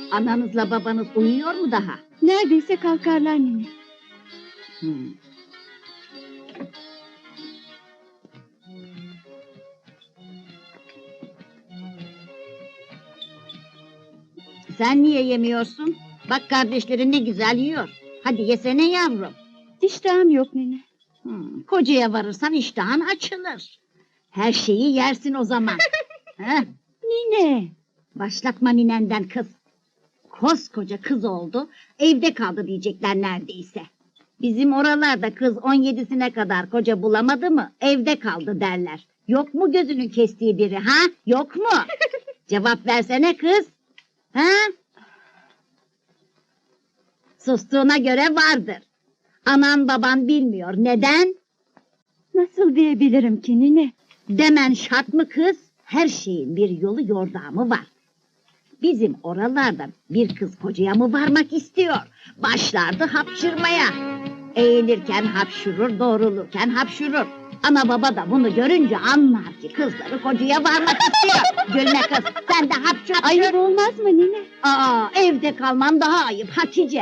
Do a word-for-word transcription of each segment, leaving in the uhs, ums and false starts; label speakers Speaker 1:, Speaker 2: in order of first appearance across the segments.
Speaker 1: Ananızla babanız uyuyor mu daha?
Speaker 2: Neredeyse kalkarlar nene.
Speaker 1: Hmm. Sen niye yemiyorsun? Bak kardeşlerin ne güzel yiyor. Hadi yesene yavrum.
Speaker 2: İştahım yok nene.
Speaker 1: Hmm, kocaya varırsan iştahın açılır. Her şeyi yersin o zaman. Heh,
Speaker 2: Nine.
Speaker 1: başlatma ninenden kız. Koskoca kız oldu, evde kaldı diyecekler neredeyse. Bizim oralarda kız on yedisine kadar koca bulamadı mı, evde kaldı derler. Yok mu gözünün kestiği biri ha? Yok mu? Cevap versene kız. Ha? Sustuğuna göre vardır. Anan baban bilmiyor. Neden?
Speaker 2: Nasıl diyebilirim ki nine?
Speaker 1: Demen şart mı kız? Her şeyin bir yolu yordamı var. Bizim oralarda bir kız kocaya mı varmak istiyor? Başlardı hapşırmaya. Eğilirken hapşurur, doğrulurken hapşurur. Ana baba da bunu görünce anlar ki kızları kocaya varmak istiyor. Gülme kız, sen de hapşur.
Speaker 2: Ayıp olmaz mı nine?
Speaker 1: Aa, evde kalman daha ayıp Hatice.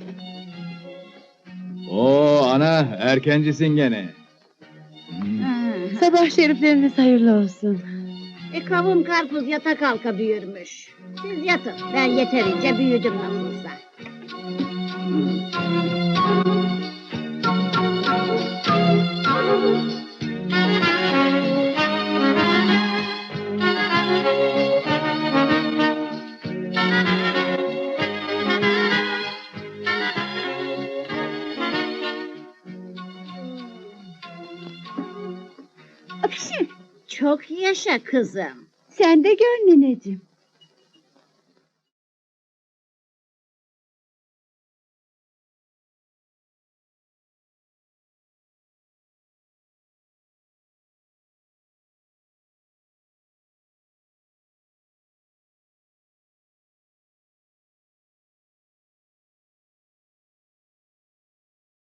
Speaker 3: Oo ana, erkencisin gene. Hmm.
Speaker 1: Hmm.
Speaker 2: Sabah şerifleriniz hayırlı olsun.
Speaker 1: E kavun karpuz yata kalka büyürmüş. Siz yatın, ben yeterince büyüdüm nasılsa.
Speaker 2: Akışı.
Speaker 1: Çok yaşa kızım.
Speaker 2: Sen de gör nineciğim.